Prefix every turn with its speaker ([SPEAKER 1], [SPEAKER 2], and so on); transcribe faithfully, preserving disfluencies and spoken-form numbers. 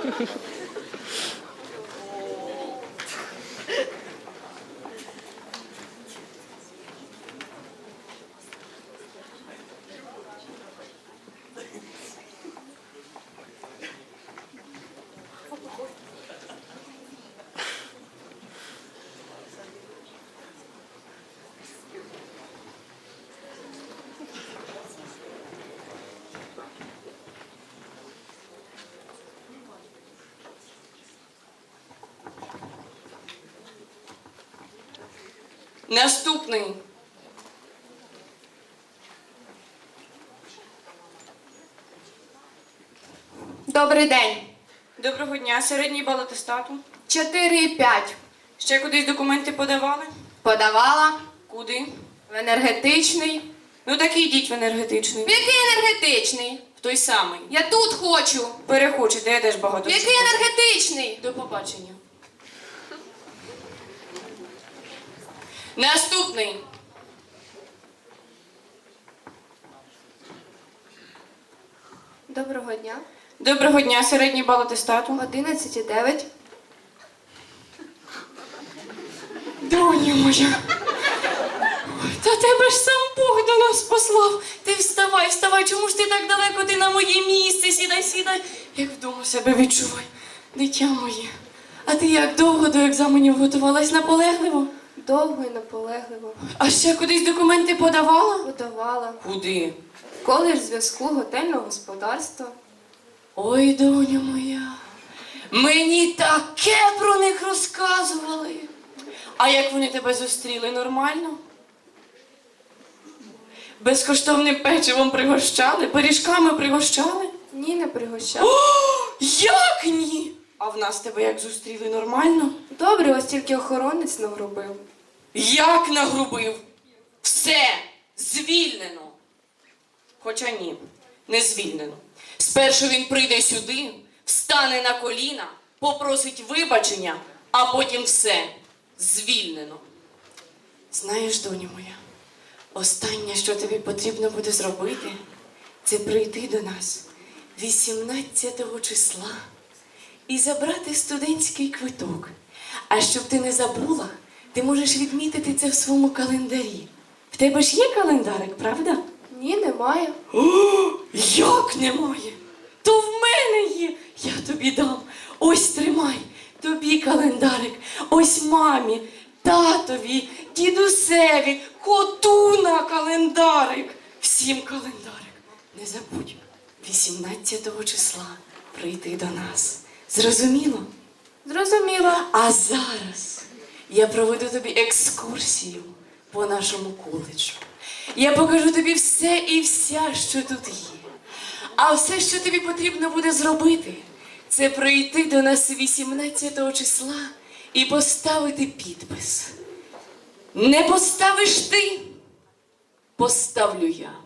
[SPEAKER 1] Наступний.
[SPEAKER 2] Добрий день.
[SPEAKER 1] Доброго дня. Середній бал атестату.
[SPEAKER 2] чотири і п'ять.
[SPEAKER 1] Ще кудись документи подавали?
[SPEAKER 2] Подавала.
[SPEAKER 1] Куди?
[SPEAKER 2] В енергетичний.
[SPEAKER 1] Ну так і йдіть в енергетичний.
[SPEAKER 2] В який енергетичний?
[SPEAKER 1] В той самий.
[SPEAKER 2] Я тут хочу.
[SPEAKER 1] Перехочете, я теж багато.
[SPEAKER 2] В який
[SPEAKER 1] чого.
[SPEAKER 2] енергетичний?
[SPEAKER 1] До побачення. Наступний.
[SPEAKER 2] Доброго дня.
[SPEAKER 1] Доброго дня. Середній бал атестату.
[SPEAKER 2] одинадцять і дев'ять.
[SPEAKER 1] Доня моя. Та тебе ж сам Бог до нас послав. Ти вставай, вставай. Чому ж ти так далеко? Ти на моє місце. Сідай, сідай. Як вдома себе відчувай. Дитя моє. А ти як довго до екзаменів готувалась? Наполегливо?
[SPEAKER 2] Довго і наполегливо.
[SPEAKER 1] А ще кудись документи подавала?
[SPEAKER 2] Подавала.
[SPEAKER 1] Куди?
[SPEAKER 2] Коледж зв'язку готельного господарства.
[SPEAKER 1] Ой, доня моя. Мені таке про них розказували. А як вони тебе зустріли? Нормально? Безкоштовним печивом пригощали? Пиріжками пригощали?
[SPEAKER 2] Ні, не пригощала.
[SPEAKER 1] О, як ні? А в нас тебе як зустріли? Нормально?
[SPEAKER 2] Добре, ось тільки охоронець нагрубив.
[SPEAKER 1] Як нагрубив? Все, звільнено. Хоча ні, не звільнено. Спершу він прийде сюди, встане на коліна, попросить вибачення, а потім все, звільнено. Знаєш, доню моя, останнє, що тобі потрібно буде зробити, це прийти до нас вісімнадцятого числа і забрати студентський квиток. А щоб ти не забула, ти можеш відмітити це в своєму календарі. В тебе ж є календарик, правда?
[SPEAKER 2] Ні, немає.
[SPEAKER 1] О, як немає? То в мене є. Я тобі дам. Ось тримай. Тобі календарик. Ось мамі, татові, дідусеві, коту на календарик. Всім календарик. Не забудь, вісімнадцятого числа прийти до нас. Зрозуміло?
[SPEAKER 2] Зрозуміла.
[SPEAKER 1] А зараз я проведу тобі екскурсію по нашому коледжу. Я покажу тобі все і вся, що тут є. А все, що тобі потрібно буде зробити, це прийти до нас вісімнадцятого числа і поставити підпис. Не поставиш ти, поставлю я.